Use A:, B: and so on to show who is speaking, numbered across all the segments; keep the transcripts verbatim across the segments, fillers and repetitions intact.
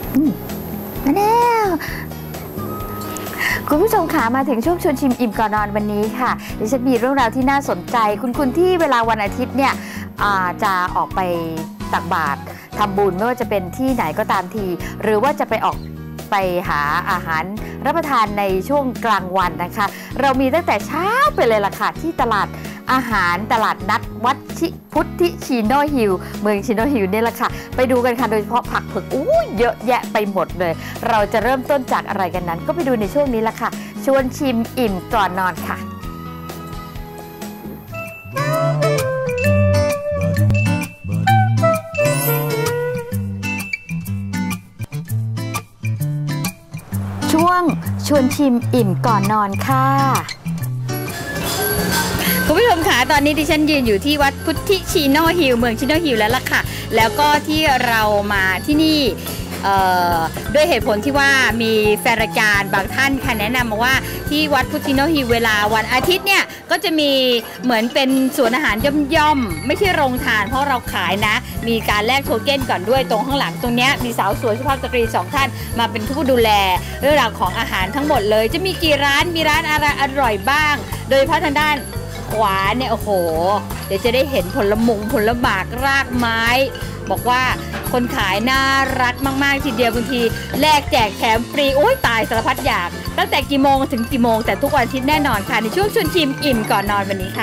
A: มาแล้วคุณผู้ชมขามาถึงช่วงชวนชิมอิ่มก่อนนอนวันนี้ค่ะดิฉันมีเรื่องราวที่น่าสนใจคุณคุณที่เวลาวันอาทิตย์เนี่ยจะออกไปตักบาตรทำบุญไม่ว่าจะเป็นที่ไหนก็ตามทีหรือว่าจะไปออกไปหาอาหารรับประทานในช่วงกลางวันนะคะเรามีตั้งแต่เช้าไปเลยล่ะค่ะที่ตลาดอาหารตลาดนัดวัดชิพุทธิชิโนฮิลเมืองชิโนฮิลนี่แหละค่ะไปดูกันค่ะโดยเฉพาะผักเผือกอู้เยอะแยะไปหมดเลยเราจะเริ่มต้นจากอะไรกันนั้นก็ไปดูในช่วงนี้ละค่ะชวนชิมอิ่มก่อนนอนค่ะช่วงชวนชิมอิ่มก่อนนอนค่ะคุณผู้ชมคะตอนนี้ดิฉันยืนอยู่ที่วัดพุทธิชิโนฮิลเมืองชิโนฮิลแล้วล่ะค่ะแล้วก็ที่เรามาที่นี่ด้วยเหตุผลที่ว่ามีแฟนรายการบางท่านค่ะแนะนำมาว่าที่วัดพุทธิชิโนฮิลเวลาวันอาทิตย์เนี่ยก็จะมีเหมือนเป็นสวนอาหารย่อมๆไม่ใช่โรงทานเพราะเราขายนะมีการแลกโทเก้นก่อนด้วยตรงข้างหลังตรงนี้มีสาวสวยสุภาพสตรีสองท่านมาเป็นผู้ดูแลเรื่องราวของอาหารทั้งหมดเลยจะมีกี่ร้านมีร้านอะไรอร่อยบ้างโดยเฉพาะทางด้านขวาเนี่ยโอ้โหเดี๋ยวจะได้เห็นผลมงผลหมากรากไม้บอกว่าคนขายน่ารักมากๆทีเดียวบางทีแลกแจกแถมฟรีโอ้ยตายสารพัดอยากตั้งแต่กี่โมงถึงกี่โมงแต่ทุกวันอาทิตย์แน่นอนค่ะในช่วงชวนชิมอิ่มก่อนนอนวันนี้ค่ะ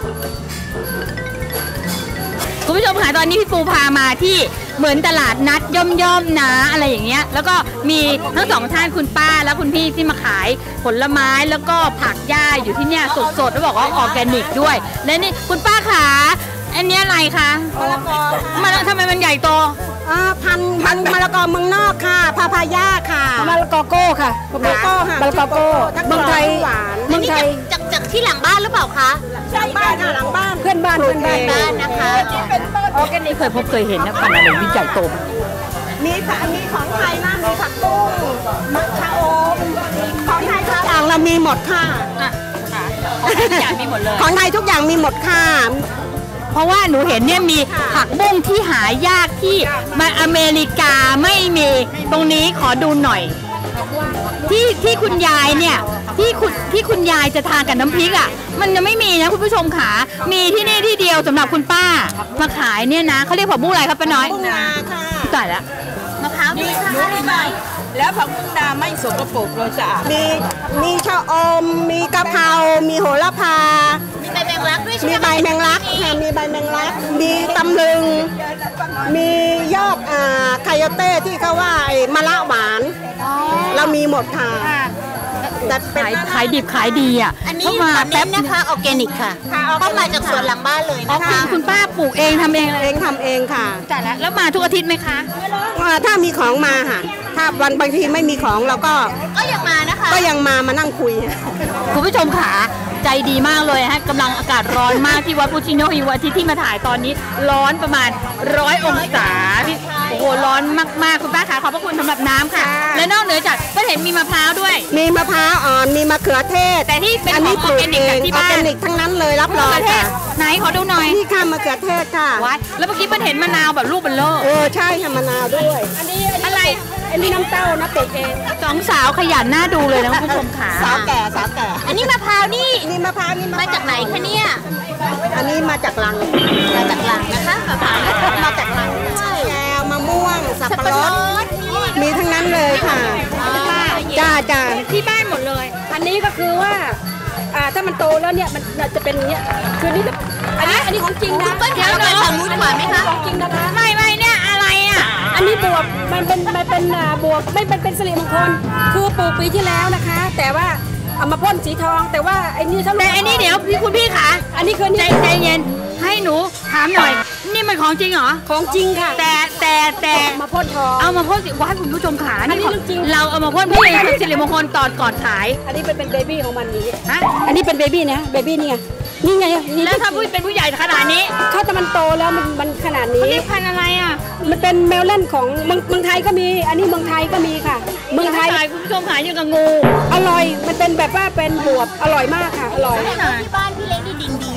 A: คุณผู้ชมค่ะตอนนี้พี่ปูพามาที่เหมือนตลาดนัดย่อมๆนะอะไรอย่างเงี้ยแล้วก็มีทั้งสองท่านคุณป้าและคุณพี่ที่มาขายผลไม้แล้วก็ผักหญ้าอยู่ที่เนี่ยสดๆแล้วบอกว่าออร์แกนิกด้วยและนี่คุณป้าขาอันนี้อะไรคะมะละกอมันทำไมมันใหญ่โต
B: พันพันมะละกอเมืองนอกค่ะพาพายาค่ะ
C: มะละกอโก้ค่ะมะละกอค่ะมะละกอโก้เมืองไทย
B: หวาน
A: เมืองไทยจากจากที่หลังบ้านหรือเปล่าคะ
B: หลังบ้านค่ะหลังบ้าน
C: เพื่อนบ้านเพื่อน
A: บ้านนะคะออร์แกนิกเคยพบเคยเห็นนะพันธุ์อะไรวิจัยโต
B: มีผักมีของไทยนะมีผักบุ้งมะขามของไทยทุกอย่างเรามีหมดค่ะ
A: ของไทยทุกอย่างมีหมดเลย
B: ของไทยทุกอย่างมีหมดค่ะ
A: เพราะว่าหนูเห็นเนี่ยมีผักบุ้งที่หายากที่มาอเมริกาไม่มีตรงนี้ขอดูหน่อยที่ที่คุณยายเนี่ยที่คุณที่คุณยายจะทานกับน้ำพริกอ่ะมันยังไม่มีนะคุณผู้ชมขามีที่นี่ที่เดียวสำหรับคุณป้ามาขายเนี่ยนะเขาเรียกผักบุ้งอะไรครับป้าน้อย
B: บุ้งนาค่ะ
A: จ่ายแล้วมะพร้าวด้วยค่ะ
C: แล้วผักบุ้งนาไม่สกปรกเลยสะอาด
B: มีมีชะอมมีกะเพรามีโหระพา
A: มีใบแมงลักด้วยใช่ไหม
B: มีใบแมงลักค่ะมีใบแมงลักมีตำลึงมียอดอ่าไคโยเต้ที่เขาว่ามะละหวานเรามีหมดค่ะ
A: แต่ขายขายดิบขายดีอ่ะ
D: อันนี้มาแป๊บนะคะออร์แกนิกค่ะเข้ามาจากสวนหลังบ้านเลยนะคะ
A: คุณป้าปลูกเองทำเอง
B: เองทำเองค่ะ
A: แต่แล้วแล้วมาทุกอาทิตย์ไหมคะ
B: ถ้ามีของมาค่ะถ้าวันบางทีไม่มีของเราก็
D: ก็ยังมานะคะ
B: ก็ยังมามานั่งคุย
A: คุณผู้ชมขาใจดีมากเลยฮะกำลังอากาศร้อนมากที่วัดพุทธิชิโนฮิลอาทิตย์ที่มาถ่ายตอนนี้ร้อนประมาณร้อยองศาโอ้โหร้อนมากๆคุณป้าขาขอบพระคุณสำหรับน้ำค่ะและนอกเหนือจากก็เห็นมีมะพร้าวด้วย
B: มีมะพร้าวอ่อนมีมะเขือเทศ
A: แต่ที่เป็นของออร์แกนิกที่บ้าน
B: ออร์แกนิกทั้งนั้นเลยรับรองค่ะ
A: ไหนขอดูหน่อย
B: นี่ค่ะมะเขือเทศค่ะ
A: วัดแล้วเมื่อกี้มันเห็นมะนาวแบบลูกเบลโล่
B: เออใช่ค่ะมะนาวด้วย
C: อันนี้
A: อะไร
C: อันนี้น้ำเต้านะปลูกเอง
A: สองสาวขยันน่าดูเลยนะคุณผู้ชมขา
B: สาวแก่สาวแก่
D: อันนี้มะพร้าวนี่
B: นี่มะพร้าวนี่
D: มาจากไหนคะเนี่ย
B: อันนี้มาจากลัง
D: มาจากลังนะคะมะพร้าว
B: มาจากลังแก้วมะม่วงสับปะรดมีทั้งนั้นเลยค่ะจ้าจ้า
C: ที่บ้านหมดเลยอันนี้ก็คือว่าอ่าถ้ามันโตแล้วเนี่ยมันจะเป็นอย่างเงี้ยคือนี่อันนี้อันนี้ของจริงนะ
D: เดี๋ยวเราทำมุ้นกว่าไหมคะ
C: ของจริงนะคะ
A: ไม่ไม่เนี่ยอะไรอ่ะ
C: อันนี้บวบมันเป็นมันเป็นบวบไม่เป็นเป็นสิริมงคลคือปลูกปีที่แล้วนะคะแต่ว่าเอามาพ่นสีทองแต่ว่าไอ้นี่
A: แต่ไอ้นี่เดี๋ยวพี่คุณพี่ขา
C: อันนี้คือ
A: ใจใจเย็นให้หนูถามหน่อยนี่มันของจริงเหรอ
C: ของจริงค่ะ
A: แต่แต่แต่
C: มาพ่นทอง
A: เอามาพ่นสิว่าให้คุณผู้ชมขานี่ของจริงเราเอามาพ่นเพื่อเป็นสิริมงคลตอนก่อนขาย
C: อันนี้เป็นเป็นเบบี้ของมันนี้ฮะอันนี้เป็นเบบี้นะเบบี้นี่ไงนี่ไง
A: แล้วถ้าผู้เป็นผู้ใหญ่ขนาดนี้
C: ถ้าแต่มันโตแล้วมันมันขนาดนี้
A: นี่พันอะไรอ่ะ
C: มันเป็นแมวเล่นของเมืองเมืองไทยก็มีอันนี้เมืองไทยก็มีค่ะเมืองไทย
A: คุณผู้ชมขายอย่างกับงู
C: อร่อยมันเป็นแบบว่าเป็นบวบอร่อยมากค่ะอร่อย
D: ที่บ้านพี่เล็กนี่ดิงดี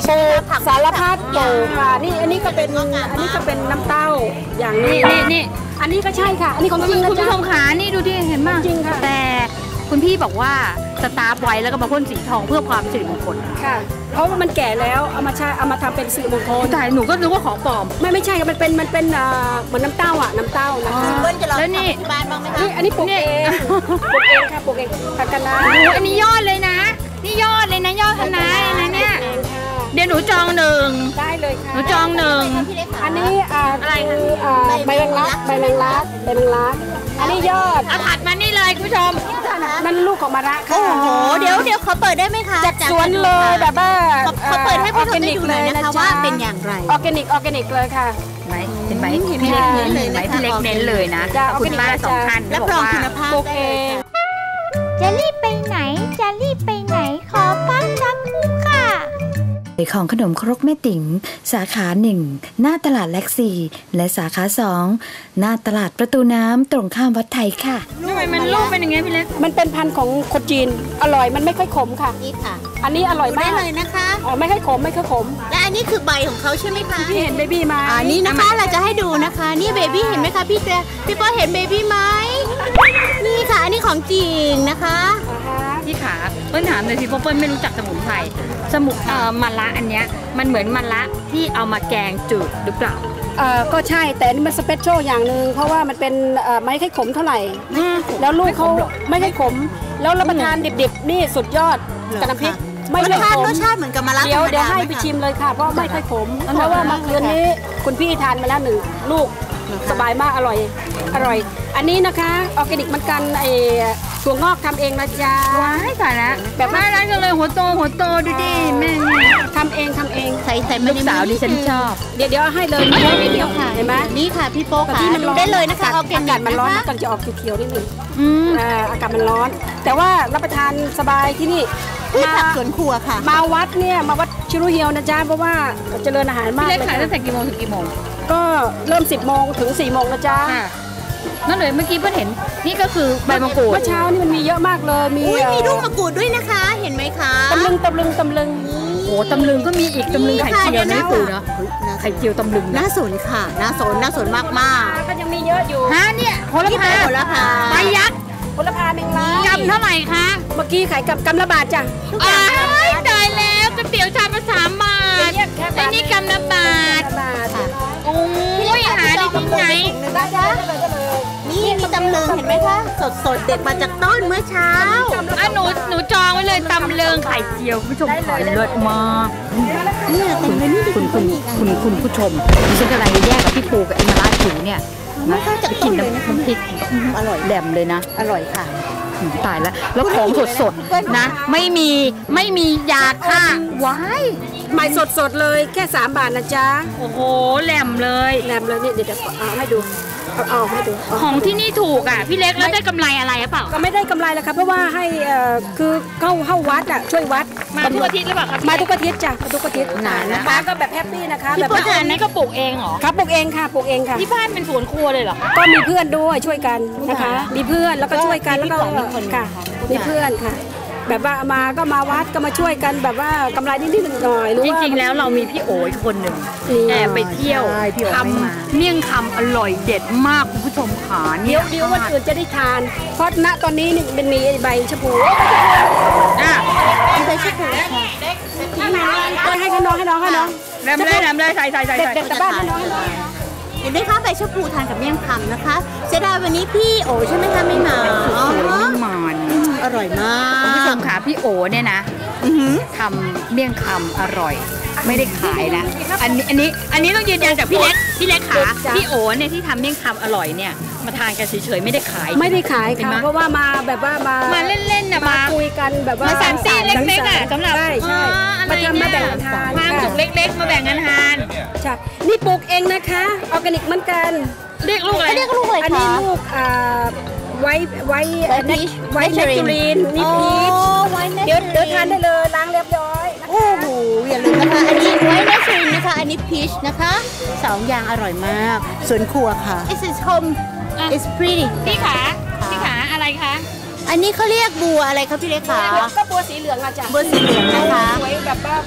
C: ปลูกสารพัดปลูกค่ะนี่อันนี้ก็เป็นอันนี้ก็เป็นน้ำเต้าอย่างนี้
A: นี่นี่
C: อันนี้ก็ใช่ค่ะอันนี้ของจริงนะ
A: คุณ
C: จ๊ะ
A: ผู้ชมขานี่ดูดิเห็นไหม
C: จริงค่ะ
A: แต่คุณพี่บอกว่าสตาร์ฟไว้แล้วก็มาพ่นสีทองเพื่อความสิริมงคล
C: ค่ะเพราะว่ามันแก่แล้วเอามาใช้เอามาทำเป็นสิริมงคล
A: แต่หนูก็นึกว่าของปลอม
C: ไม่ไม่ใช่ค่ะมันเป็นมันเป็นอ่าเหมือนน้ำเต้าอ่ะน้ำเต้านะคะ
D: เบิ้ลจะลอง
A: แล้วนี่
D: ทำที่บ้านบ้างไหมคะ
C: นี่อันนี้ปลูกเองปลูกเองค่ะปลูกเองผักคะน้า
A: โอ้โหอันนี้ยอดเลยนะ นี่ยอดเลยนะยอดคะน้าเลยนะเนี่ย
C: เองค่ะ
A: เดี๋ยวหนูจองหนึ่ง
C: ได้เลยค่ะ
A: หนูจองหนึ่ง
D: พี่เล็กค่ะ
C: อันนี้อ่าคืออ่าใบแมงลักใบแมงลักใบแมงลักอันนี้ยอด
A: เอาผัดมานี่เลยคุณผู้ชม
C: นั่นลูกของมะระค่ะ
D: โอ้โหเดี๋ยวเดี๋ยวเขาเปิดได้ไหมคะ
C: จากสวนเลยแบบว่า
D: เขาเขาเปิดให้ผู้ชมได้ดูหน่อยนะคะว่าเป็นอย่างไร
C: ออร์แกนิกออร์แกนิกเลยค่ะ
A: ไหมเห็นไหมพี่เล็กเน้นเลยไหมพี่เล็กเน้นเลยนะ
C: จ้ะ
A: คุณป้าสองท่าน
D: รับรองคุณภาพ
C: ปลูกเอง
E: จะรีบไปไหน จะรีบไปไหน ขอพักสักครู่ค่ะ
F: ของขนมครกแม่ติ๋งสาขาหนึ่งหน้าตลาดแล็กซีและสาขาสองหน้าตลาดประตูน้ำตรงข้ามวัดไทยค่ะ
A: ทำไมมันลูกเป็นอย่างเงี้ยพี่เล็ก
C: มันเป็นพันธุ์ของคนจีนอร่อยมันไม่ค่อยขมค่ะ
D: นี่ค่ะ
C: อันนี้อร่อย
D: ดูได้
C: มาก
D: เลยนะคะ
C: อ๋อไม่ค่อยขมไม่ค่อยขม
D: และอันนี้คือใบของเขาใช่ไหมคะ
C: พี่เห็นเบบี้มา
D: อันนี้นะคะเราจะให้ดูนะคะ นี่เบบี้เห็นไหมคะพี่เจพี่ป้อเห็นเบบี้ไหมนี่ค่ะ อันนี้ของจริงนะคะ
C: อ่าฮะ
A: พี่ขาเปิ้ลถามเลยสิเพราะเปิ้ลไม่รู้จักสมุนไพรสมุนเอ่อมะระอันเนี้ยมันเหมือนมะระที่เอามาแกงจืดหรือเปล่า
C: เอ่อก็ใช่แต่อันนี้มันสเปเชียลอย่างหนึ่งเพราะว่ามันเป็นเอ่อไม่ค่อยขมเท่าไหร่ แล้วลูกเขาไม่ค่อยขม แล้วรับประทานดิบๆ นี่สุดยอดกับน้ำพริกไม่
D: ร
C: ค่
D: ส
C: อย
D: ชา
C: ข
D: ติ
C: ม
D: รสชาติเหมือนกับมะระ
C: เดี๋ยว
D: ธรรม
C: เดี๋ยวให้
D: ห
C: ไป
D: คะ
C: ชิมเลยค่ะ เพราะไม่ค่อยขม เพราะว่าเมื่อคืนนี้คุณพี่ทานมาแล้วหนึ่งลูกสบายมากอร่อยอร่อย อันนี้นะคะออร์แกนิกเหมือนกันไอ้ถั่วงอกทำเองนะจ๊ะ
A: ว้ายตายแล้ว
C: แบบว่า
A: น่ารักจังเลยหัวโตหัวโตดูดิแม่เนี่ย
C: ทำเองทำเอง
D: ใส่ใส่
A: ลูกสาวดิฉันชอบ
C: เดี๋ยวเดี๋ยวเอาให้เลย
D: เดี๋ยว
C: เดี๋
D: เดี๋
C: ย
D: ยว วค่ะ
C: เห็นไหม
D: นี่ค่ะพี่โป๊
C: แต่
D: ค่ะ
C: ที่มัน
D: ดู
C: ร้อน
D: ได้เลยนะคะ
C: อา
D: เอาเก
C: กาศมันร้อน
D: นะ
C: มันก็จะออกเขียวๆนิดนึง
A: อืม
C: อ่าอากาศมันร้อน แต่ว่ารับประทานสบายที่นี่
D: พืช
C: มา
D: ผักสวนครัวค่ะ
C: มาวัดเนี่ยมาวัดชิรุเฮียวนะจ๊ะเพราะว่าเจริญอาหารมา
A: พี่
C: ก
A: เล็ก
C: เลย
A: ขายตั้งแต่
C: ค่ะ
A: กี่โมงถึงกี่โมง
C: ก็เริ่มสิบโมงถึงสี่โมงนะจ๊ะ
A: ค่ะนั่นเลยเมื่อกี้เพิ่งเห็นนี่ก็คือใบมะกรูด
C: เมื่อเช้านี่มันมีเยอะมากเลยมี
D: อุ้ยมีลูกมะกรูดด้วยนะคะ เห็นไหมคะ
C: ตำลึงตำลึงตำลึง
A: โอ้ตำลึงก็มีอีกตำลึงไข่เจียวนะพี่ปูเนาะไข่เจียวตำลึงนะ
D: น่าสนค่ะ น่าสน น่าสนมากมาก
C: ก็ยังมีเยอะอยู่
A: ฮะเนี่ยโห
D: ๆ
A: ระ
D: นี่
A: พา
D: เป็นผลพา
A: ใบยักษ์
C: ผลพาเมงลาย
A: กำเท่าไหร่คะ
C: เมื่อกี้ขายกับกำละบาทจ้ะ
A: อ้ายตายแล้วก๋วยเตี๋ยวชามละสามบาท
C: เนี่ยแค่บาท
A: ไอ้นี่กำละบาท
C: กำละบาท
A: โอ้ยหาได้ที่ไหน
C: ได้จ้ะได้เลยได้เลย
D: นี่มีตำลึงเห็นไหมคะ สดสดๆเด็ดมาจากต้นเมื่อเช้า
A: อ่ะหนูหนูจองไว้เลยตำเลิงไข่เจียวคุณผู้ชมขายเลิศมาก
D: เนี่ยเต็มเลยนี่
A: คุณคุณคุณคุณผู้ชมดิฉันกำลังจะแยกกับพี่ปูกับเอ็มมาราจิ๋วเนี่ยนะไปกินน้ำน้ำพริก
D: อร่อย
A: แหลมเลยนะ
D: อร่อยค่ะ
A: อืมตายแล้ว แล้วของสดสดๆนะ ไม่มีไม่มียาฆ่าว้าย
C: ใหม่สดๆเลยแค่สามบาทนะจ๊ะ
A: โอ้โหแหลมเลย
C: แรมเลยนี่เดี๋ยวเดี๋ยวเอาให้ดูเอาเอาให้ดูเอา
A: ของที่นี่ถูกอ่ะ พี่เล็กแล้วได้กำไรอะไรหรือเปล่า
C: ก็ไม่ได้กำไรแล้วครับเพราะว่าให้เอ่อคือเข้าเข้าวัดอ่ะช่วยวัด
A: มาทุกอาทิตย์หรือเปล่าครับ
C: มาทุกอาทิตย์จ้ะมาทุกอาทิตย์
A: นานนะ
C: นะคะก็แบบแฮปปี้นะคะ
A: พี่
C: แบบ
A: ปู
C: ว่า
A: ทานนี่ก็ปลูกเองเหรอ
C: ครับปลูกเองค่ะปลูกเองค่ะ
A: ที่บ้านเป็นสวนครัวเลยเหรอ
C: ก็มีเพื่อนด้วยช่วยกันนะคะ มีเพื่อนแล้วก็ช่วยกันแล้วก็ค่ะมีเพื่อนค่ะ แบบว่ามาก็มาวัดก็มาช่วยกันแบบว่ากำไรนิดๆหน่อยๆหรือ
A: จ
C: ว่า
A: ริงๆ แล้วเรามีพี่โอ๋อีกคนหนึ่ง
C: อืม
A: แอบไปเที่ยวทำเมี่ยงคำอร่อยเด็ดมากคุณผู้ชมขา
C: เดี๋
A: เนี่
C: ย
A: ยว
C: เดี๋ยววันอื่นจะได้ทาน เพราะณตอนนี้นี่มันมีใบชะพู
A: อ่ะ
D: ใบชะพูค่ะ
C: ให้ให้น้องให้น้องให้น้อง
A: แรมเลยแรมเลยใส่ใส่ใส่ใส่
C: เด็กๆแต่บ้านให้น้องให้น้อง
D: เห็นไหมคะใบชะพูทานกับเมี่ยงคำนะคะเสียดายวันนี้พี่โอใช่ไหมคะไม่มาอ๋อ
A: ไม่มัน
D: อร่อยมา
A: คุณผู้ช
D: ก
A: มขาพี่โอเนี่ยนะ
D: อื้อหือ
A: ทำเมี่ยงคำอร่อย ไม่ได้ขายนะ อันนี้อันนี้อันนี้ต้องยืนยันจากพี่เล็กพี่เล็กขาพี่โอเนี่ยที่ทำเมี่ยงคำอร่อยเนี่ยมาทานกันเฉยๆไม่ได้ขาย
C: ไม่ได้ขาย
A: เห็น
C: ค่ะ
A: ไหม
C: เพราะว่ามาแบบว่ามา
A: มาเล่นๆนะ
C: มา
A: มา
C: คุยกันแบบว่า
A: มาสามซี่เล็กๆอ่ะสำหรับ
C: ใช่ใช่
A: อ๋ออะไร
C: มาทำมา
A: เนี่ย
C: แบ่งทาน
A: ความสุข
C: ค่ะ
A: เล็กๆ มาแบ่งกันทาน
C: ใช่นี่ปลูกเองนะคะออร์แกนิกเหมือนกัน
A: เรียกลูกอะไร
D: เขาเรียกลูกอะไร
C: อันนี้
D: คะ
C: ลูกอ่าไว้ไว้
D: White peach
C: ไว้เนกจูรีนนี่
D: อ๋อ
C: พีช
D: ไว้เนส
C: เดี๋ยวเดี๋ยวทานได้เลยล้างเรียบร้อยนะคะ
D: โอ้โหอย่าลืมนะคะ อันนี้ไว้เนสรินนะคะ อันนี้พีชนะคะสองอย่างอร่อยมากสวนครัวค่ะ This is home
A: อ่ะ
D: It's pretty
A: พี่ขาพี่ขาอะไรคะ
D: อันนี้เขาเรียกบัวอะไรครับพี่เล็กคะ
C: ก็บัวสีเหลืองอะจ้ะ
D: บัวสีเหลืองนะคะ
C: สวยแบบว่ามันมี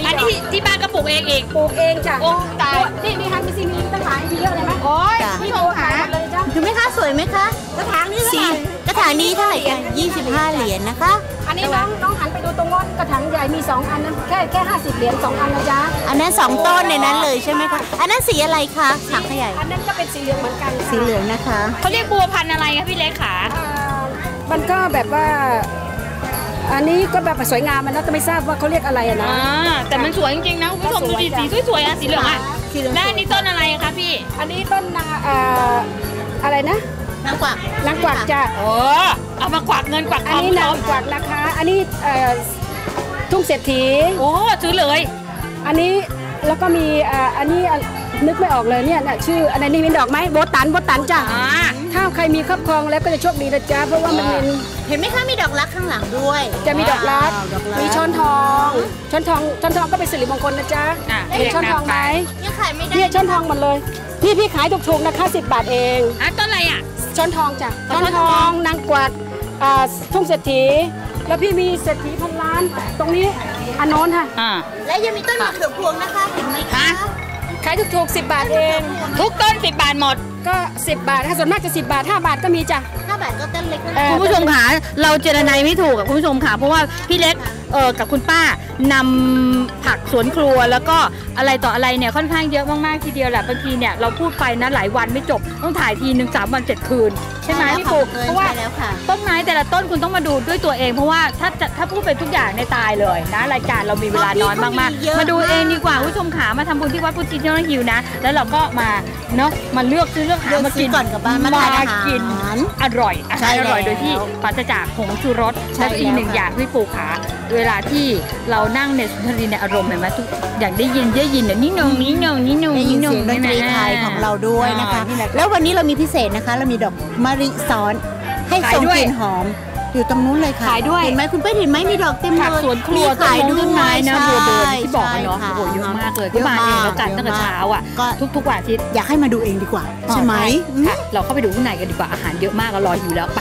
A: อันนี้ที่บ้านก็ปลูกเองเอง
C: ปลูกเองจ้ะ
A: โอ้ตาย
C: นี่มีฮันมีซีมีตั้งหลายมีเยอะเลยไหม
A: โอ้ย
C: พี่โตขายหมดเลยจ้ะ
D: ดูไหมคะสวยไหมคะ
C: กระถางนี้เท่า
D: สี
C: ไหร่
D: กระถางนี้เท่าไหร่กันยี่สิบห้าเหรียญนะคะ
C: อันนี้น้องน้องหันไปดูตรงโน้นกระถางใหญ่มีสองอันนั้นแค่แค่ห้าสิบเหรียญสองอันนะจ๊ะ
D: อันนั้นสองต้นในนั้นเลยใช่ไหมคะอันนั้นสีอะไรคะถังขยาย
C: อันนั้นก็เป็นสีเหลืองเหมือนกันค่ะ
D: สีเหลืองนะคะ
A: เขาเรียกบัวพันธุ์อะไรคะพี่เล็กขา
C: อ่ามันก็แบบว่า อันนี้ก็แบบสวยงามมันนะก็ไม่ทราบว่าเขาเรียกอะไรอะนะ
A: อ่าแต่มันสวยจริงๆนะคุณผู้ชมดูดิสีสวยๆอ่ะสีเหลืองอ่ะ
C: สีเหลือง
A: แล้วอันนี้ต้นอะไรคะพี่
C: อันนี้ต้นนาอ่าอะไรนะ
D: นางกวัก
C: นางกวักจ้ะ
A: โอ้เอามากวักเงินกวักท
C: อัน
A: อง
C: นี้นางกวักนะคะ อันนี้เอ่อทุ่งเศรษฐี
A: โอ้ซื้อเลย
C: อันนี้แล้วก็มีอ่าอันนี้อ่ะนึกไม่ออกเลยเนี่ยน่ะชื่ออะไรนี่มีดอกไหมโบตันโบตันจ้ะ
A: อ่า
C: ถ้าใครมีครอบครองแล้วก็จะโชคดีนะจ๊ะเพราะว่ามันเป็น
D: เห็นไหมคะมีดอกรักข้างหลังด้วย
C: จะมีดอกรัก
D: ว้าวดอกรัก
C: มีช้อนทองช้อนทองช้อนทองก็เป็นสิริมงคลนะจ๊ะ
A: อ่ะ
C: เห็นช้อนทองไหม
D: ยังขายไม่ได้
C: เนี่ยช้อนทองหมดเลยนี่พี่ขายถูกๆนะคะสิบบาทเอง
A: อ่ะต้นอะไรอ่ะ
C: ช้อนทองจ้ะ
A: ช้
C: ช้
A: อ
C: อน น
A: ท
C: ท
A: อ
C: อง งนางกวักอ่าทุ่งเศรษฐีแล้วพี่มีเศรษฐีพันล้าน ตรงนี้อันโน้นค่ะ
A: อ่า
D: และยังมีต้นมะเขือพวงนะคะเห็นไหมคะ
A: ฮะ
C: ขายถูกๆสิบบาทเอง
A: ทุกต้นสิบบาทหมด
C: ก็สิบบาทถ้าส่วนมากจะสิบบาทห้าบาทก็มีจ้ะ
D: ห้าบาทก็ต้นเล็กนะ
C: เออ
A: คุณผู้ชมขาเราเจรนายไม่ถูกกับคุณผู้ชมขาเพราะว่าพี่เล็กเออกับคุณป้านำผักสวนครัวแล้วก็อะไรต่ออะไรเนี่ยค่อนข้างเยอะมากๆทีเดียวแหละบางทีเนี่ยเราพูดไปนะหลายวันไม่จบต้องถ่ายทีหนึ่งสามวันเจ็ดคืนใช่ไหมพี่ปูเพราะว่า
D: แล้วค่ะ
A: ต้นไม้แต่ละต้นคุณต้องมาดูด้วยตัวเองเพราะว่าถ้าจะถ้าพูดไปทุกอย่างในตายเลยนะรายการเรามีเวลาน้อยมากๆมาดูเองดีกว่าคุณผู้ชมขามาทำบุญที่วัดพุทธิชิโนฮิวนะแล้วเราก็มาเนาะมาเลือกซื้อเลือกหา
D: เลือก
A: มา
D: ซื้
A: กิ
D: อน ก่อนกลับบ้านมาทานอาหาร
A: กินอร่อยอา
D: ใช่
A: หารอร่อย
D: แล้ว
A: โดยที่ปราศจากผงชูรส
D: ใช่
A: และอีกหนึ่ง
D: แล้วค่ะ
A: อย่างพี่ปูขาเวลาที่เรานั่งในสุนทรีในอารมณ์เห็นไหมทุกอย่างได้ยินได้ยินเนี่ยนี่นงนี่นงนี่นง
D: ได้ยิน
A: นี่
D: เสียงดนตรีไทยของเราด้วยนะคะ
A: อ่านี่แหละ
D: แล้ววันนี้เรามีพิเศษนะคะ เรามีดอกมะริซ้อนให้
A: ขาย
D: ส่ง
A: ด้วย
D: กลิ่นหอม อยู่ตรงนู้นเลยค่ะ
A: ขายด้วย
D: เห็นไหมคุณเป้เห็นไหมมีดอกเต็มเลย
A: ผักสวนครัว
D: มีขาย
A: ต้น
D: ด้
A: ไม้
D: วย
A: นะ
D: ใช่
A: บัวเดินที่บอกกันเนาะ
D: ใช่
A: โอ้โหเยอะมากเลย
D: เย
A: ก็
D: อะ
A: มาเองแล้วกัน
D: เยอะ
A: ตั้งแต่เช้าอ่ะ
D: ก็
A: ทุกทุกวันอาทิตย์
D: อยากให้มาดูเองดีกว่า ใช่ไหมอืม
A: ค่ะเราเข้าไปดูข้างในกันดีกว่าอาหารเยอะมากเรารออยู่แล้วไป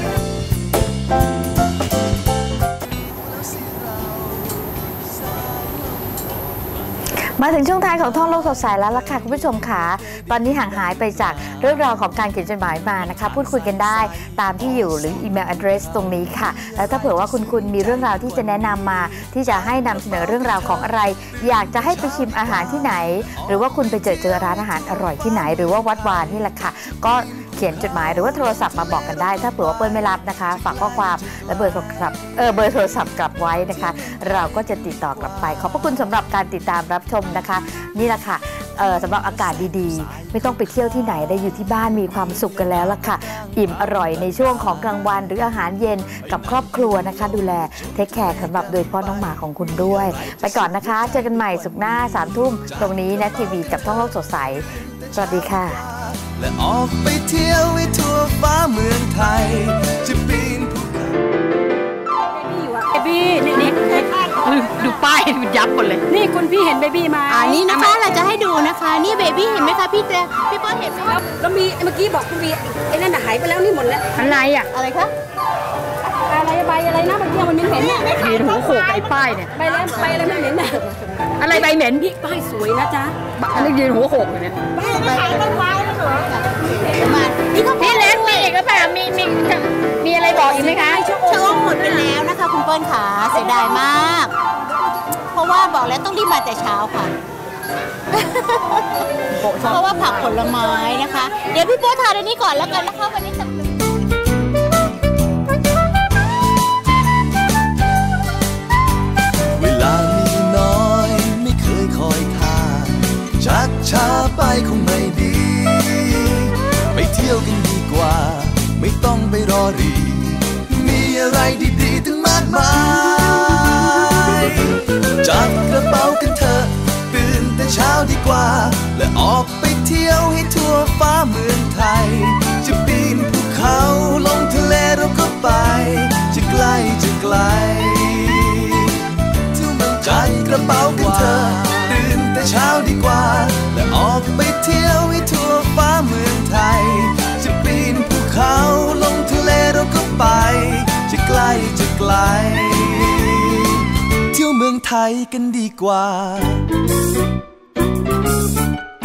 F: มาถึงช่วงท้ายของท่องโลกสดใสแล้วล่ะค่ะคุณผู้ชมค่ะตอนนี้ห่างหายไปจากเรื่องราวของการเขียนจดหมายมานะคะพูดคุยกันได้ตามที่อยู่หรืออีเมล address ตรงนี้ค่ะแล้วถ้าเผื่อว่าคุณคุณมีเรื่องราวที่จะแนะนำมาที่จะให้นำเสนอเรื่องราวของอะไร อยากจะให้ไปชิมอาหารที่ไหน หรือว่าคุณไปเจอเจอร้านอาหารอร่อยที่ไหน หรือว่าวัดวานนี่แหละค่ะก็เขียนจดหมายหรือว่าโทรศัพท์มาบอกกันได้ ถ้าเผื่อว่าเปิ้ลไม่รับนะคะฝากข้อความและเบอร์โทรศัพท์เออเบอร์โทรศัพท์กลับไว้นะคะ เราก็จะติดต่อกลับไปขอบพระคุณสำหรับการติดตามรับชมนะคะนี่แหละค่ะเอ่อสำหรับอากาศดีๆไม่ต้องไปเที่ยวที่ไหนได้อยู่ที่บ้านมีความสุขกันแล้วล่ะค่ะอิ่มอร่อยในช่วงของกลางวันหรืออาหารเย็นกับครอบครัวนะคะดูแลเทคแคร์สำหรับโดยเฉพาะน้องหมาของคุณด้วย ไปก่อนนะคะเจอกันใหม่สุขหน้าสามทุ่มตรงนี้นะทีวีกับท่องโลกสดใสสวัสดีค่ะ
G: และออกไปเที่ยวให้ทั่วฟ้าเมืองไทยจะปีนภูเขา
C: เบบี้นี่นี่
A: ดูป้ายดูยับหมดเลย
C: นี่คุณพี่เห็นเบบี้ไหม
D: อันนี้นะคะเราจะให้ดูนะคะนี่เบบี้เห็นไหมคะพี่เต้พี่เป้เห็นไหมคะ
C: แล้วมีเมื่อกี้บอกคุณพี่ไอ้นั่นน่ะหายไปแล้วนี่หมดแล้ว
A: อะไรอ่ะ
D: อะไรคะ
C: อะไรใบอะไรนะเมื่อกี้มันเหม็นๆเนี่ย
A: ยืนหัวโขกไอ้ป้ายเนี่ย
C: ใบแล้วใบอะไรไม่เหม็นน่ะ
A: อะไรใบเหม็น
C: นี่ป้ายสวยนะจ๊ะ
A: อะไรยืนหัวโขกอยู่เนี่ย
D: นี่ก็
A: พี่เล็กมีอีกหรือเปล่ามีมีมีอะไรบอกอีกไหมคะ
D: ชะโงกหมดไปแล้วนะคะคุณเปิ้ลขาเสียดายมาก เพราะว่าบอกแล้วต้องรีบมาแต่เช้าค่ะ เพราะว่าผักผลไม้นะคะ เดี๋ยวพี่โป้ทานอันนี้ก่อนแล้วกันนะคะวันนี้จะ
G: เวลามีน้อยไม่เคยคอยท่าชักช้าไปคงไม่ดี ไปเที่ยวกันดีกว่าไม่ต้องไปรอรีมีอะไรดีๆตั้งมากมายจับกระเป๋ากันเถอะตื่นแต่เช้าดีกว่าและออกไปเที่ยวให้ทั่วฟ้าเมืองไทยจะปีนภูเขาลงทะเลเราก็ไปจะไกลจะไกลจัดกระเป๋ากันเถอะตื่นแต่เช้าดีกว่าและออกไปเที่ยวให้ทั่วฟ้าเมืองไทยจะปีนภูเขาลงทะเลเราก็ไปจะไกลจะไกลเที่ยวเมืองไทยกันดีกว่า